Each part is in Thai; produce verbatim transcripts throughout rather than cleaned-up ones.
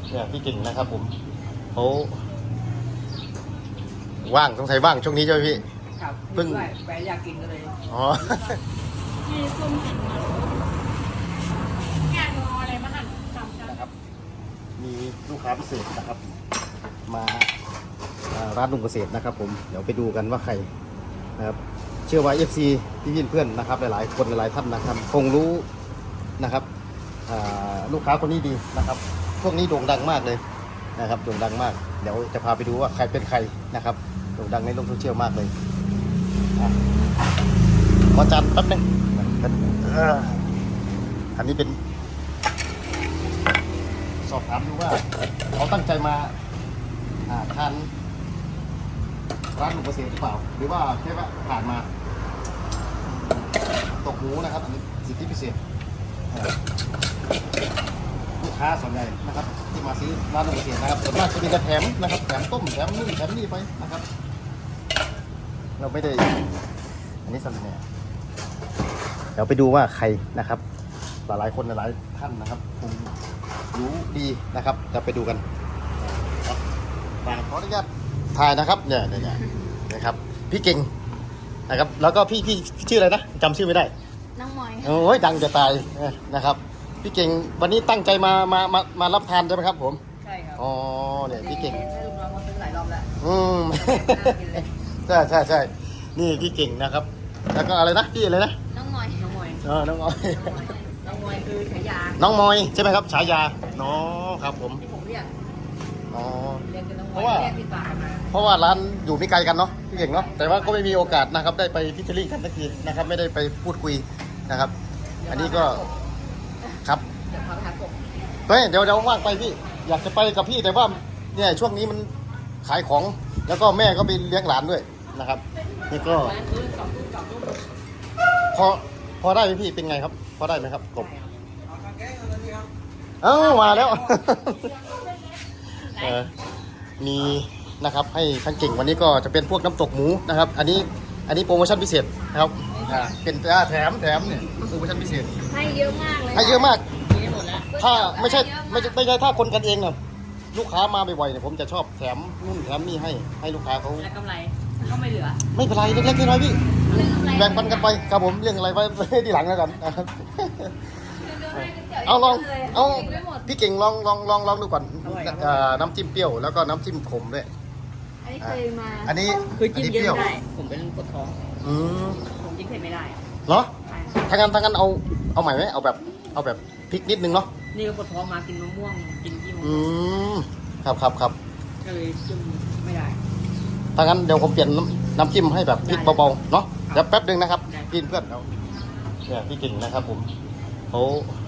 เนี่ยพี่เก่งนะครับผมเขาว่างสงสัยว่างช่วงนี้ใช่ไหมพี่ครับเพิ่งไปอยากกินกันเลยอ๋อมีส้มหั่นงานงออะไรมาหั่นสามชั้นนะครับมีลูกค้าพิเศษนะครับมาร้านลุงเกษตรนะครับผมเดี๋ยวไปดูกันว่าใครนะครับเชื่อว่า เอฟ ซี พี่พี่เพื่อนนะครับหลายๆคนหลายๆท่านนะครับคงรู้นะครับลูกค้าคนนี้ดีนะครับพวกนี้โด่งดังมากเลยนะครับโด่งดังมากเดี๋ยวจะพาไปดูว่าใครเป็นใครนะครับโด่งดังในโลกโซเชียลมากเลยขอจานแป๊บนึงอันนี้เป็นสอบถามดูว่าเขาตั้งใจมาทานร้านลุงเกษตรหรือเปล่าหรือว่าแค่ว่าผ่านมาตกหมูนะครับอันนี้สิทธิพิเศษลูกค้าส่วนใหญ่นะครับที่มาซื้อร้านลุงเกษตรนะครับส่วนมากจะมีกระแถมนะครับแถมต้มแถมนู่นแถมนี่ไปนะครับเราไม่ได้อันนี้สั่งเนี่ยเดี๋ยวไปดูว่าใครนะครับหลายๆคนหลายๆท่านนะครับคงรู้ดีนะครับจะไปดูกันขออนุญาตถ่ายนะครับเนี่ยเนี่ยนะครับพี่เก่งนะครับแล้วก็พี่พี่ชื่ออะไรนะจำชื่อไม่ได้น้องมอยโอ้ยดังจะตายนะครับพี่เก่งวันนี้ตั้งใจมามามามารับทานใช่ไหมครับผมใช่ครับอ๋อเนี่ยพี่เก่งให้ลูกน้องมาซื้อหลายรอบแล้วอืมใช่ใช่ใช่นี่พี่เก่งนะครับแล้วก็อะไรนะพี่อะไรนะน้องมอยน้องมอยอ๋อน้องมอยน้องมอยคือฉายาน้องมอยใช่ไหมครับฉายาน้องครับผมที่ผมเรียกอ๋อเพราะว่าเพราะว่าร้านอยู่ไม่ไกลกันเนาะพี่เก่งเนาะแต่ว่าก็ไม่มีโอกาสนะครับได้ไปพิจารณากันสักทีนะครับไม่ได้ไปพูดคุยนะครับอันนี้ก็ครับเดี๋ยวพาไปหากบเฮ้ยเดี๋ยวเดี๋ยวว่างไปพี่อยากจะไปกับพี่แต่ว่าเนี่ยช่วงนี้มันขายของแล้วก็แม่ก็ไปเลี้ยงหลานด้วยนะครับนี่ก็พอพอได้ไหมพี่เป็นไงครับพอได้ไหมครับกบเอ้ามาแล้วเออมีนะครับให้ท่านเก่งวันนี้ก็จะเป็นพวกน้ำตกหมูนะครับอันนี้อันนี้โปรโมชั่นพิเศษนะครับเป็นแถมแถมเนี่ยโปรโมชั่นพิเศษให้เยอะมากเลยให้เยอะมากถ้าไม่ใช่ไม่ใช่ไม่ใช่ถ้าคนกันเองนะลูกค้ามาบ่อยๆเนี่ยผมจะชอบแถมนู่นแถมนี่ให้ให้ลูกค้าเขาแล้วกำไรก็ไม่เหลือไม่เป็นไรเล็กๆน้อยๆพี่แบ่งปันกันไปครับผมเรื่องอะไรไว้ที่หลังแล้วกันนะครับเอาลองเอาพี่เก่งลองลองลองลองดูก่อนน้ำจิ้มเปรี้ยวแล้วก็น้ำจิ้มขมด้วยอันนี้เคยมาอันนี้คือจิ้มเยอะไม่ได้ผมเป็นปวดท้องอืมผมจิ้มเผ็ดไม่ได้เหรอทางนั้นทางนั้นเอาเอาใหม่ไหมเอาแบบเอาแบบพริกนิดนึงเนาะนี่ก็ปวดท้องมากินมะม่วงกินจิ้มอืมครับครับครับก็เลยจิ้มไม่ได้ทางนั้นเดี๋ยวผมเปลี่ยนน้ำจิ้มให้แบบพริกเบาๆเนาะเดี๋ยวแป๊บนึงนะครับกินเพื่อนเราเนี่ยพี่เก่งนะครับผมเขา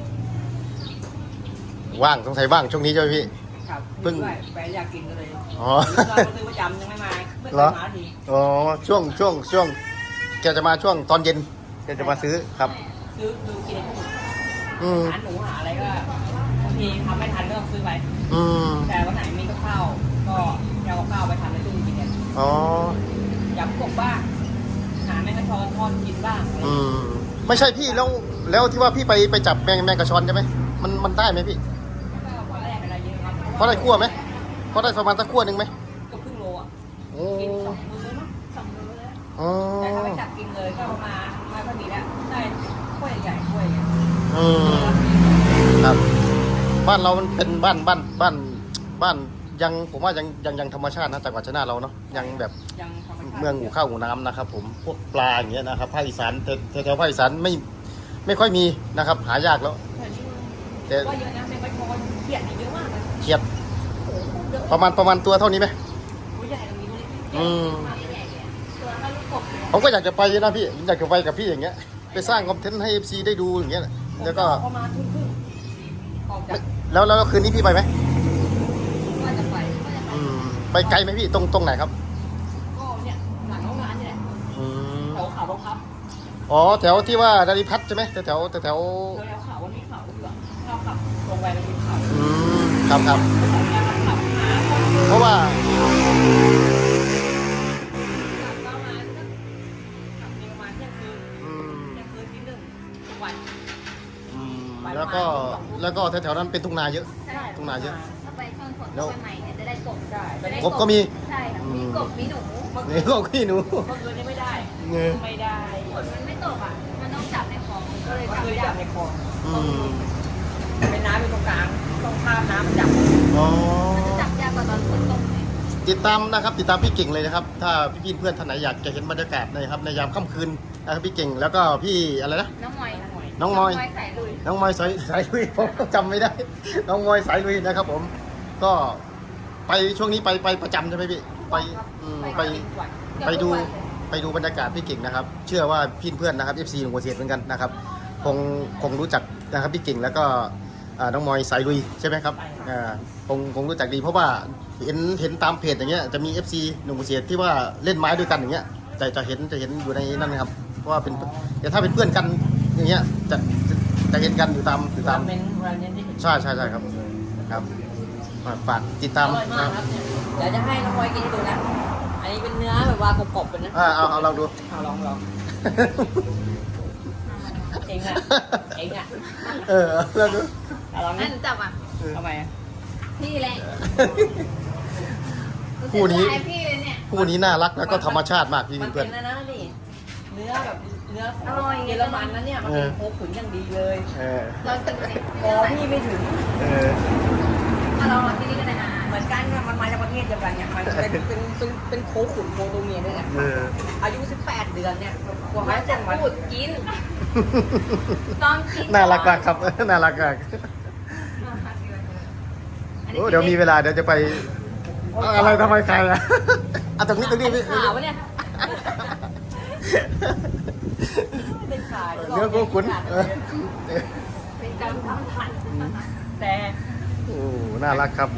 ว่างสงสัยว่างช่วงนี้ใช่ไหมพี่ครับเพิ่งไปอยากกินกันเลยอ๋อเราซื้อประจำยังไม่มาไม่เคยมาทีอ๋อช่วงช่วงช่วงแกจะมาช่วงตอนเย็นแกจะมาซื้อครับซื้อดูกินอืมหาหนูหาอะไรก็บางทีทำไม่ทันก็ต้องซื้อไปอืมแต่วันไหนมีกับข้าวก็เอากับข้าวไปทำในตู้กินกันอ๋อยำกบบ้างหาแมงกะชอนทอดกินบ้างอืมไม่ใช่พี่แล้วแล้วที่ว่าพี่ไปไปจับแมงแมงกะชอนใช่ไหมมันมันได้ไหมพี่พอได้อะไรเยอะครับพอได้คั่วไหมพอได้ประมาณสักคั่วหนึ่งไหมก็ครึ่งโลอ่ะโอ้กินสองมื้อมั้งสองมื้อแล้วอ๋อแต่ถ้าไปจับกินเลยก็มาไม่ค่อยมีแล้วได้ถ้วยใหญ่ถ้วยอืมครับบ้านเรามันเป็นบ้านบ้านบ้านบ้านยังผมว่ายังยังยังธรรมชาตินะจังหวัดชัยนาทเราเนาะยังแบบเมืองหูข้าวหูน้ำนะครับผมพวกปลาอย่างเงี้ยนะครับภาคอีสานแถวแถวภาคอีสานไม่ไม่ค่อยมีนะครับหายากแล้วแต่ว่าเยอะนะแมงกะชอนเขียดเยอะมากเลยเขียดประมาณประมาณตัวเท่านี้ไหมตัวใหญ่ตรงนี้อืมตัวเท่าลูกกบผมก็อยากจะไปนะพี่อยากจะไปกับพี่อย่างเงี้ยไปสร้างคอนเทนต์ให้ เอฟ ซี ได้ดูอย่างเงี้ยแล้วก็ประมาณทุ่มครึ่งออกจากแล้วแล้วคืนนี้พี่ไปไหมว่าจะไปอืมไปไกลไหมพี่ตรงตรงไหนครับก็เนี่ยหลังห้องน้ำนี่แหละแถวขาวรองพับอ๋อแถวที่ว่าดาริพัฒน์ใช่ไหมแถวแถวแถวแถวขาววันนี้ขาวเหลืองข้าวขับลงไปเป็นขาวอืมครับครับเพราะว่าแล้วก็แล้วก็แถวๆนั้นเป็นทุ่งนาเยอะทุ่งนาเยอะไปช่วงฝนช่วงใหม่เนี่ยจะได้กบใช่ตอนนี้กบก็มีใช่ค่ะมีกบมีหนูนี่ก็พี่หนูเมื่อคืนนี้ไม่ได้เงี้ยไม่ได้ฝนมันไม่ตกอ่ะมันต้องจับในคลองก็เลยเมื่อจับคืนยาจักบในคลองอืมเป็นน้ำเป็นตรงกลางต้องข้ามน้ำมาจับอ๋อมันจะจับยากกว่าตอนฝนตกเลยติดตามนะครับติดตามพี่เก่งเลยนะครับ ถ้าพี่ๆเพื่อนท่านไหนอยากจะเห็นบรรยากาศนะครับในยามค่ำคืนนะครับพี่เก่งแล้วก็พี่อะไรนะน้องมอยน้องมอยสายลุยน้องมอยสายสายลุย ผมจำไม่ได้ น้องมอยสายลุยนะครับ ผม ก็ไปช่วงนี้ไปไปประจำใช่ไหมพี่ไปอืมไป ไปดูไปดูบรรยากาศพี่เก่งนะครับ เชื่อว่าพี่เพื่อนนะครับ เอฟ ซี หนุ่มหัวเสียดเหมือนกันนะครับคงคงรู้จักนะครับพี่เก่งแล้วก็อ่าน้องมอยสายลุยใช่ไหมครับอ่าคงคงรู้จักดีเพราะว่าเห็นเห็นตามเพจอย่างเงี้ยจะมี เอฟ ซี หนุ่มหัวเสียดที่ว่าเล่นไม้ด้วยกันอย่างเงี้ยจะจะเห็นจะเห็นอยู่ในนั้นนะครับเพราะว่าเป็นแต่ถ้าเป็นเพื่อนกันอย่างเงี้ยจะจะจะเห็นกันอยู่ตามอยู่ตามเมนต์วันนี้ที่เห็นใช่ใช่ใช่ครับครับฝากติดอตามร่อยมากครับเนี่ยเดี๋ยวจะให้น้องพลอยกินให้ดูนะ อันนี้เป็นเนื้อแบบว่ากรอบๆเป็นนะอ่าเอาเอาลองดูเอาลองลองเองอะเองอะเออลองดูเอาลองนั่นะนจับอ่ะทำไมอะพี่แหละคู่นี้รู้สึกว่าพี่เลยเนี่ยคู่นี้น่ารักแล้วก็ธรรมชาติมากพี่มันเพื่เป็อนนนะนะนี่เนื้อแบบเนื้อของอร่อยเยอรมันนะเนี่ยมันเป็นโคขุนอย่างดีเลยเออเรากินเลยพอพี่ไม่ถึงเออมาลองมาที่นี่กันนะเหมือนกันเนี่ยมันมาจากประเทศเดียวกันเนี่ยมันเป็นเป็นเป็นเป็นโคขุนโคโตเมียด้วยเนี่ยเอออายุสิบแปดเดือนเนี่ยกว่ามัเขานจะจะมาพูดกิน ตอนกินน่ารักมากครับ น่ารักมากโอ้เดี๋ยวมีเวลาเดี๋ยวจะไปเอาอะไรทำไมใครอ่ะอ่ะตรงนี้ตรงนี้พี่ขาวะเนี่ยเป็นขาเนื้อกูขุนเออเป็นการทำผัดแต่โอ้น่ารักครับ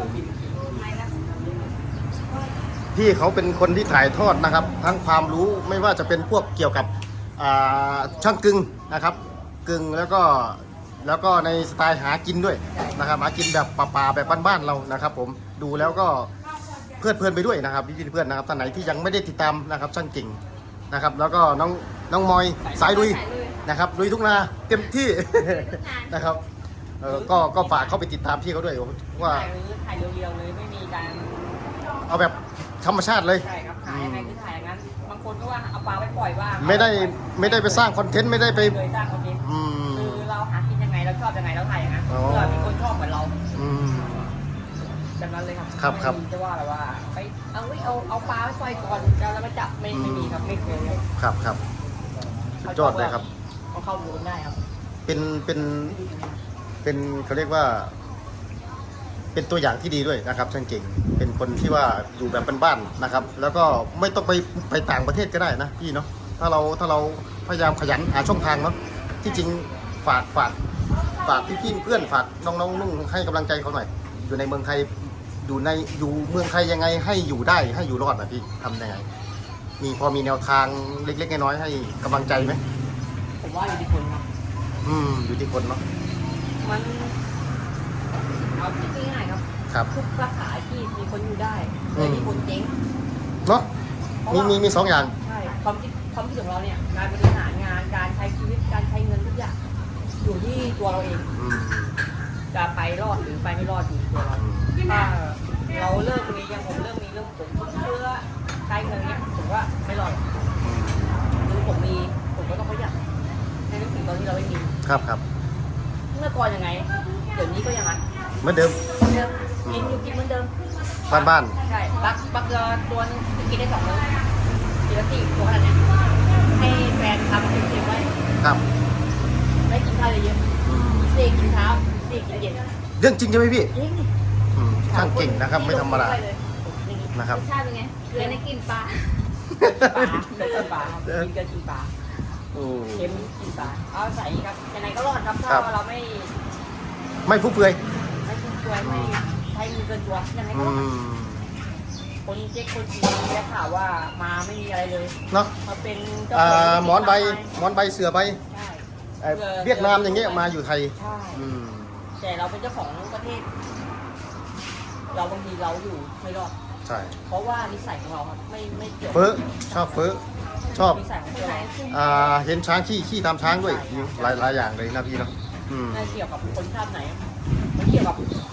พี่เขาเป็นคนที่ถ่ายทอดนะครับ ทั้งความรู้ไม่ว่าจะเป็นพวกเกี่ยวกับอ่าช่างกึ่งนะครับ กึ่งแล้วก็แล้วก็ในสไตล์หากินด้วยนะครับหากินแบบป่าๆแบบบ้านๆเรานะครับ ผมดูแล้วก็เพลิดเพลินไปด้วยนะครับพี่ๆเพื่อนนะครับท่านไหนที่ยังไม่ได้ติดตามนะครับช่างเก่งนะครับ แล้วก็น้องน้องมอยสายลุยนะครับลุยทุกนาเต็มที่ นะครับเออก็ก็ฝากเข้าไปติดตามพี่เขาด้วยว่าถ่ายถ่ายเรียวๆเลยไม่มีการเอาแบบธรรมชาติเลยใช่ครับถ่ายยังไงคือถ่ายอย่างนั้นบางคนก็ว่าเอาปลาไปปล่อยบ้างไม่ได้ไม่ได้ไปสร้างคอนเทนต์ไม่ได้ไปเคยสร้างคอนเทนต์อืมคือเราหากินยังไงเราชอบยังไงเราถ่ายอย่างนั้นอ๋อเพื่อมีคนชอบเหมือนเราอืมแบบนั้นเลยครับครับครับไม่มีจะว่าแบบว่าไปเอาไว้เอาเอาปลาไปปล่อยก่อนจะแล้วมาจับไม่ไม่มีครับไม่เคยเลยครับครับสุดยอดเลยครับเขาเข้าดูได้ครับเป็นเป็นเป็นเขาเรียกว่า เป็นตัวอย่างที่ดีด้วยนะครับช่างเก่ง เป็นคนที่ว่าอยู่แบบบ้านๆนะครับ แล้วก็ไม่ต้องไปไปต่างประเทศก็ได้นะพี่เนาะถ้าเราถ้าเราพยายามขยันหาช่องทางเนาะที่จริงฝากฝากฝากพี่ๆเพื่อนฝากน้องๆนุ่งให้กำลังใจเขาหน่อย อยู่ในเมืองไทยอยู่ในอยู่เมืองไทยยังไงให้อยู่ได้ให้อยู่รอดนะพี่ทำยังไง มีพอมีแนวทางเล็กๆน้อยๆให้กำลังใจไหมผมว่าอยู่ที่คนครับอืมอยู่ที่คนเนาะมันเอาที่ง่ายๆครับครับทุกสาขาอาชีพมีคนอยู่ได้เลยมีคนเจ๊งเนาะมีมีมีสองอย่างใช่ความคิดความคิดของเราเนี่ยการบริหารงานการใช้ชีวิตการใช้เงินทุกอย่างอยู่ที่ตัวเราเองอืมจะไปรอดหรือไปไม่รอดอยู่ที่ตัวเราถ้าเราเลิกมีอย่างผมเริ่มมีเรื่องผมเชื่อใช้เงินเนี่ยผมว่าไม่รอดหรือผมมีผมก็ต้องประหยัดในนึกถึงตอนที่เราไม่มีครับครับเมื่อก่อนยังไง เดี๋ยวนี้ก็ยังไงเหมือนเดิมเหมือนเดิมกินอยู่กินเหมือนเดิมบ้านบ้านใช่บักบักเกลือตัวนึงกินได้สองมื้อกินละสี่ตัวขนาดเนี้ยให้แฟนทำเค็มๆไว้ๆครับไม่กินข้าวเยอะอืมๆเสกกินเช้าเสกกินเย็นเรื่องจริงใช่ไหมพี่จริงอืมช่างเก่งนะครับ ไม่ธรรมดานะครับรสชาติเป็นไงเกลือในกลิ่นปลาปลาเกลือกินปลาครับกินเกลือกินปลาโอ้เค็มกินปลาเอาใส่ครับยังไงก็รอดครับครัถ้าบเราไม่ไม่ฟุ่มเฟือยไม่ฟุ่มเฟือยไม่ใช้มือเกินตัวยังไงอืก็รอดมคนเจ๊กคนจีนได้ข่าวว่ามาไม่มีอะไรเลยเนาะมาเป็นเจ้าอ่ขงาหมอนใบหมอนใบเสือใบใช่เอ่อเวียดนามอย่างเงี้ยมาอยู่ไทยใช่อืมแต่เราเป็นเจ้าของประเทศ เราบางทีเราอยู่ไม่รอดใช่เพราะว่านิสัยของเราครับไม่ไม่เกี่ยวเฟ้อชอบเฟ้อชอบนิสัยของเราอ่าเห็นช้างขี้ขี้ตามช้างด้วยหลายหลายอย่างเลยนะพี่เนาะอืมไม่เกี่ยวกับคนชาติไหนมันเกี่ยวกับ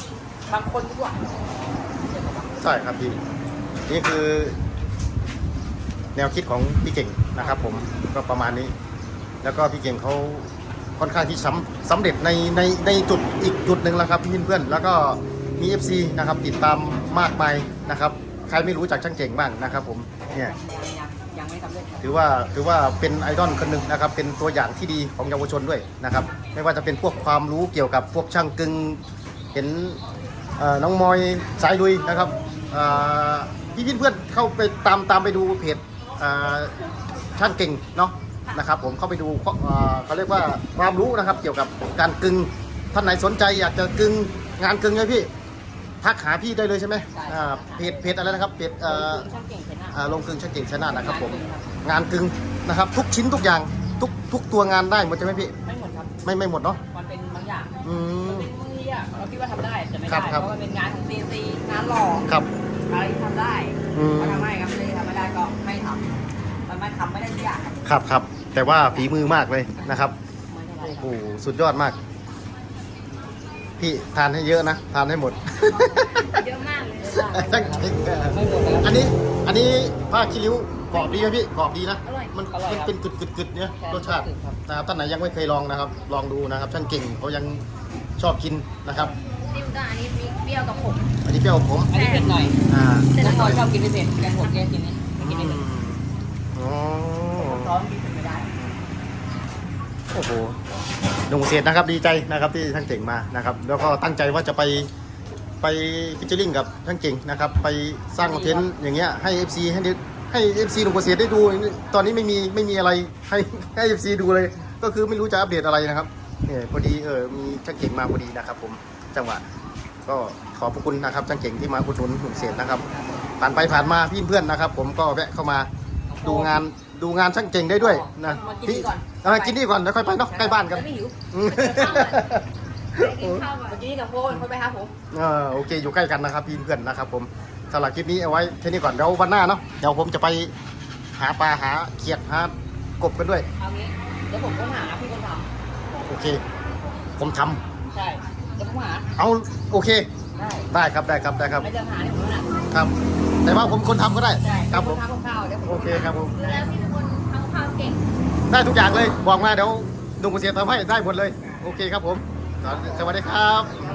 บางคนด้วยใช่ครับพี่นี่คือ แนวคิดของพี่เก่งนะครับผมก็ประมาณนี้ แล้วก็พี่เก่งเขาค่อนข้างที่สำสำเร็จในในในจุดอีกจุดหนึ่งแล้วครับพี่เพื่อนๆแล้วก็มี เอฟ ซี นะครับติดตามมากมายนะครับใครไม่รู้จักช่างเก่งบ้างนะครับผมเนี่ยยังยังยังไม่สำเร็จครับถือว่าถือว่าเป็นไอดอลคนหนึ่งนะครับเป็นตัวอย่างที่ดีของเยาวชนด้วยนะครับไม่ว่าจะเป็นพวกความรู้เกี่ยวกับพวกช่างกึงเห็นเอ่อน้องมอยสายลุยนะครับเอ่อพี่เพื่อนๆเข้าไปตามตามไปดูเพจเอ่อช่างเก่งเนาะนะครับผมเข้าไปดูเอ่อเขาเรียกว่าความรู้นะครับเกี่ยวกับการกึงท่านไหนสนใจอยากจะกึงงานกึงเลยพี่ทักหาพี่ได้เลยใช่ไหมอ่าเพจเพจอะไรนะครับเพจเอ่อช่างเก่งชนะอ่าลงกึงช่างเก่งชนะนะครับผมงานกึงนะครับทุกชิ้นทุกอย่างทุกทุกตัวงานได้หมดใช่ไหมพี่ไม่หมดครับไม่ไม่หมดเนาะมันเป็นบางอย่างอืมันมเป็นมืออ่ะเราคิดว่าทำได้แต่ไม่ครัได้บเพครับราะมันเป็นงานของซีซีงานหล่อครับอะไรที่ทำได้อืมก็ทำให้ครับเลยทำไม่ได้ก็ไม่ทำมันไม่ทำไม่ได้ทุกอย่างครับครับครับแต่ว่าฝีมือมากเลยนะครับไม่เท่าไหร่โอ้คโหรับสุดยอดมาก พี่ทานให้เยอะนะทานให้หมดเยอะมากเลยช่างเก่งอะไม่หมดเลยครับอันนี้อันนี้ผ้าคีริ้วกรอบดีไหมพี่กรอบดีนะอร่อยมันอร่อยมันครับเป็นกึดกึดกึดเนี่ยใช่รสชาติกึดครับนะครับท่านไหนยังไม่เคยลองนะครับ ลองดูนะครับช่างเก่งเขายังชอบกินนะครับจิ้มก็อันนี้มีเปรี้ยวกับขมอันนี้เปรี้ยวผมอันนี้เผ็ดหน่อยอ่าน้องหน่อยชอบกินพิเศษแกงผมแกกินนี่ไม่กินอืไม่เผ็ดมอ๋อร้อนกินเผ็ดไม่ได้โอ้โหหนุ่มเกษตรนะครับดีใจนะครับที่ท่านเก่งมานะครับ แล้วก็ตั้งใจว่าจะไปไปฟิชเชอริงกับท่านเก่งนะครับ ไปสร้างคอนเทนต์อย่างเงี้ยให้ เอฟ ซี ให้ได้ให้ เอฟ ซี หนุ่มเกษตรได้ดูตอนนี้ไม่มีไม่มีอะไรให้ให้ เอฟ ซี ดูเลย ก็คือไม่รู้จะอัปเดตอะไรนะครับเนี่ยพอดีเออมีท่านเก่งมาพอดีนะครับ ผมจังหวะก็ขอบพระคุณนะครับท่านเก่งที่มาอุดหนุนหนุ่มเกษตรนะครับผ่านไปผ่านมาพี่เพื่อนนะครับ ผมก็แวะเข้ามาดูงานดูงานช่างเก่งได้ด้วยนะมากินนี่ก่อนเออกินนี่ก่อนแล้วค่อยไปเนาะใกล้บ้านกันไม่หิวอืมไปกินข้าวก่อนเมื่อกี้กับโฟนค่อยไปหาผมเออโอเคอยู่ใกล้กันนะครับพี่เพื่อนนะครับผมสำหรับคลิปนี้เอาไว้แค่นี้ก่อนเดี๋ยววันหน้าเนาะเดี๋ยวผมจะไปหาปลาหาเขียดหากบกันด้วยเอางี้เดี๋ยวผมก็หาพี่คนทโอเค ผมทำำใช่เดี๋ยวผมหาเอาโอเคได้ได้ครับได้ครับได้ครับไม่จะหาให้ผมแล้วนะครับแต่ว่าผมคนทำก็ได้ใช่ครับผมทำกับข้าวเดี๋ยวผมโอเคครับผมดูแล้วพี่เป็นคนทำข้าวเก่งได้ทุกอย่างเลยบอกมาเดี๋ยวดุงเกษตรทำให้ได้หมดเลย โอเคครับผม สวัสดีครับ